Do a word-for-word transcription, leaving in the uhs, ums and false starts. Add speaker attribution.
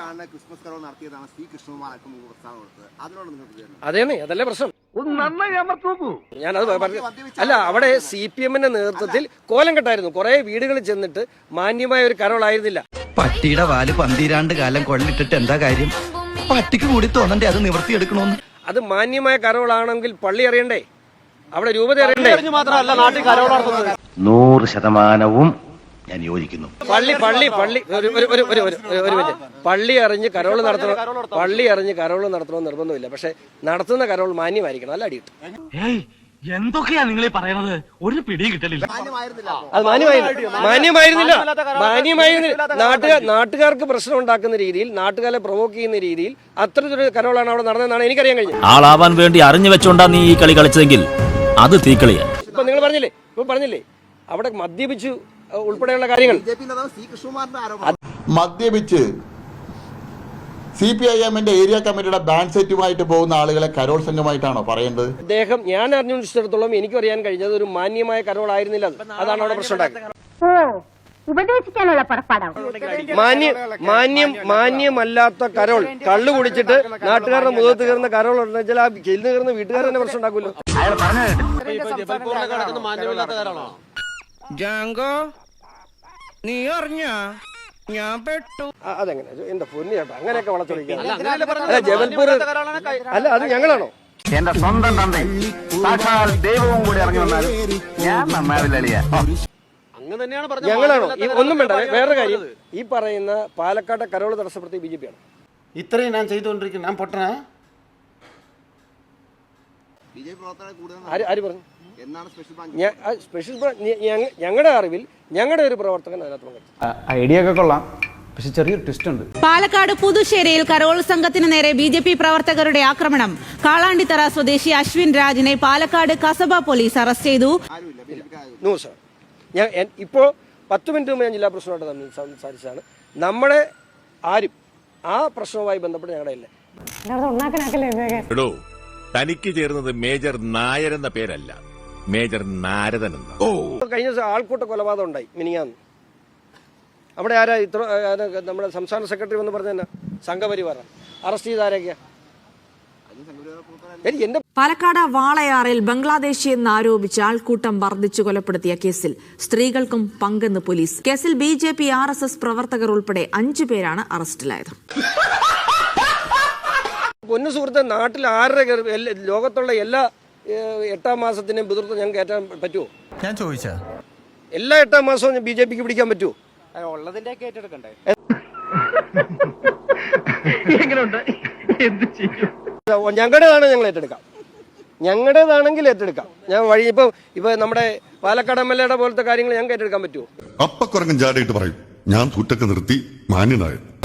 Speaker 1: അതേന്നേ, അതല്ലേ പ്രശ്നം. ഞാനത് പറഞ്ഞു. അല്ല, അവിടെ സി പി എമ്മിന്റെ നേതൃത്വത്തിൽ കോലം കെട്ടായിരുന്നു. കുറെ വീടുകളിൽ ചെന്നിട്ട് മാന്യമായ ഒരു കരോളായിരുന്നില്ല.
Speaker 2: പട്ടിയുടെ വാല് പന്തിരാണ്ട് കാലം കൊള്ളിട്ടിട്ട് എന്താ കാര്യം? പട്ടിക്ക് കൂടി തോന്നണ്ടേ അത് നിവർത്തിയെടുക്കണോന്ന്?
Speaker 1: അത് മാന്യമായ കരോളാണെങ്കിൽ പള്ളി അറിയണ്ടേ, അവിടെ രൂപത അറിയണ്ടേ?
Speaker 3: നൂറ് ശതമാനവും ഞാൻ യോജിക്കുന്നു.
Speaker 1: പള്ളി പള്ളി പള്ളി ഒരു ഒരു ഒരു ഒരു ഒരു മിനിറ്റ്. പള്ളി അറിഞ്ഞ് കരോള് നടത്തണം, പള്ളി അറിഞ്ഞ് കരോള് നടത്തണമെന്ന് നിർബന്ധമില്ല. പക്ഷെ നടത്തുന്ന കരോൾ മാന്യമായിരിക്കണം, അല്ല അടിയിട്ട്.
Speaker 4: എന്തൊക്കെയാ നിങ്ങൾ പറയുന്നത്? ഒരു പിടിയും കിട്ടലില്ല.
Speaker 1: അത് മാന്യമായിരുന്നില്ല, മാന്യമായിരുന്നില്ല മാന്യമായിരുന്നില്ല നാട്ടുകാർ നാട്ടുകാർക്ക് പ്രശ്നം ഉണ്ടാക്കുന്ന രീതിയിൽ, നാട്ടുകാരെ പ്രൊവോക്ക് ചെയ്യുന്ന രീതിയിൽ അത്തരത്തിലൊരു കരോളാണ് അവിടെ നടന്നതെന്നാണ് എനിക്കറിയാൻ കഴിഞ്ഞത്.
Speaker 5: ആളാവാൻ വേണ്ടി അറിഞ്ഞു വെച്ചോണ്ടാ നീ ഈ കളി കളിച്ചതെങ്കിൽ അത് തീക്കളിയാ.
Speaker 1: ഇപ്പൊ നിങ്ങൾ പറഞ്ഞില്ലേ ഇപ്പൊ പറഞ്ഞില്ലേ അവിടെ മദ്യപിച്ചു ഉൾപ്പെടെയുള്ള കാര്യങ്ങൾ.
Speaker 6: മദ്യപിച്ച് സി പി ഐ എമ്മിന്റെ ഏരിയ കമ്മിറ്റിയുടെ ബാൻഡ് സെറ്റുമായിട്ട് പോകുന്ന ആളുകളെ കരോൾ സംഘമായിട്ടാണോ പറയേണ്ടത്?
Speaker 1: അദ്ദേഹം, ഞാൻ അറിഞ്ഞിടത്തോളം എനിക്ക് അറിയാൻ കഴിഞ്ഞത് ഒരു മാന്യമായ കരോൾ ആയിരുന്നില്ല. അതാണ് അവിടെ പ്രശ്നം ഉണ്ടാക്കുന്നത്. മാന്യം മാന്യമല്ലാത്ത കരോൾ, കള്ളു കുടിച്ചിട്ട് നാട്ടുകാരുടെ മുഖത്ത് കയറുന്ന കരോൾ ഉണ്ടെങ്കിൽ ആ ചെല്ലുന്ന കയറുന്ന വീട്ടുകാർ തന്നെ പ്രശ്നം ഉണ്ടാക്കുമല്ലോ.
Speaker 2: നീ അറിഞ്ഞ ഞാൻ പെട്ടു.
Speaker 1: അതെങ്ങനെ എന്റെ പൊന്നു ചേട്ടാ, അങ്ങനെയൊക്കെ വളച്ചൊടിക്കുക? അല്ല, ജബൽപൂർ അല്ല, അത് ഞങ്ങളാണോ?
Speaker 3: എന്റെ സ്വന്തം തന്ത സാക്ഷാൽ ദൈവവും കൂടി ഇറങ്ങി വന്നാലും ഞാൻ നന്നാവില്ല.
Speaker 1: ഞങ്ങളാണോ? ഒന്നും വേണ്ട. വേറൊരു കാര്യം, ഈ പറയുന്ന പാലക്കാട്ടെ കരോള് തടസ്സപ്പെടുത്തിയ ബി ജെ പി ആണ്.
Speaker 7: ഇത്രയും ഞാൻ ചെയ്തുകൊണ്ടിരിക്കുന്നു. ഞാൻ പൊട്ടനാ?
Speaker 1: ആര് പറഞ്ഞു? സ്പെഷ്യൽ ഞങ്ങളുടെ അറിവിൽ ഞങ്ങളുടെ ഒരു പ്രവർത്തകൻ അതിനകത്ത് പങ്കെടുത്തു.
Speaker 8: ഐഡിയ ഒക്കെ കൊള്ളാം, പക്ഷെ ചെറിയൊരു ട്വിസ്റ്റ് ഉണ്ട്.
Speaker 9: പാലക്കാട് പുതുശ്ശേരിയിൽ കരോൾ സംഘത്തിന് നേരെ ബി ജെ പി പ്രവർത്തകരുടെ ആക്രമണം. കാളാണ്ടിത്തറ സ്വദേശി അശ്വിൻ രാജിനെ പാലക്കാട് കസബ പോലീസ് അറസ്റ്റ് ചെയ്തു.
Speaker 1: നൂറ് ശതമാനം. ഞാൻ ഇപ്പോ പത്ത് മിനിറ്റ് മുമ്പ് ഞാൻ ജില്ലാ പ്രസിഡന്റായിട്ട് തമ്മിൽ സംസാരിച്ചതാണ്. നമ്മുടെ ആരും ആ പ്രശ്നവുമായി ബന്ധപ്പെട്ട് ഞങ്ങളുടെ ഇല്ല.
Speaker 10: തനിക്ക് ചേർന്നത് മേജർ നായർ എന്ന പേരല്ല, മേജർ നാരദൻ എന്ന.
Speaker 1: കഴിഞ്ഞ ദിവസം ആൾക്കൂട്ട കൊലപാതകം ഉണ്ടായി മിനിങ്ങാന്ന്. അവിടെ ആരാ ഇത്ര നമ്മുടെ സംസ്ഥാന സെക്രട്ടറി എന്ന് പറഞ്ഞ സംഘപരിവാറാണ്. അറസ്റ്റ് ചെയ്ത ആരൊക്കെയാ?
Speaker 11: പാലക്കാട് വാളയാറിൽ ബംഗ്ലാദേശി എന്നാരോപിച്ച് ആൾക്കൂട്ടം വർദ്ധിച്ചു കൊലപ്പെടുത്തിയ കേസിൽ സ്ത്രീകൾക്കും പങ്കെന്ന് പോലീസ്. കേസിൽ B J P R S S പ്രവർത്തകർ ഉൾപ്പെടെ അഞ്ചു പേരാണ് അറസ്റ്റിലായത്.
Speaker 1: പൊന്നു സുഹൃത്തെ, നാട്ടിൽ ആരുടെ ലോകത്തുള്ള എല്ലാ എട്ടാം മാസത്തിനെയും പിതൃത്വം ഞങ്ങൾക്ക് കയറ്റാൻ പറ്റുമോ?
Speaker 2: ഞാൻ ചോദിച്ചാ
Speaker 1: എല്ലാ എട്ടാം മാസവും ബി ജെ പിക്ക് പിടിക്കാൻ പറ്റുമോ?
Speaker 7: ഉള്ളതിന്റെ ഏറ്റെടുക്കണ്ടേ?
Speaker 1: ഞങ്ങളുടേതാണ്, ഞങ്ങൾ ഏറ്റെടുക്കാം. ഞങ്ങളുടേതാണെങ്കിൽ ഏറ്റെടുക്കാം. ഞാൻ വഴി ഇപ്പൊ ഇപ്പൊ നമ്മുടെ പാലക്കാട് എം എൽ എയുടെ പോലത്തെ കാര്യങ്ങൾ ഞങ്ങൾക്ക് ഏറ്റെടുക്കാൻ പറ്റുമോ?
Speaker 12: അപ്പക്കുറങ്ങൻ ജാടയിട്ട് പറയും, ഞാൻ തൂറ്റൊക്കെ നിർത്തി മാന്യനായത്.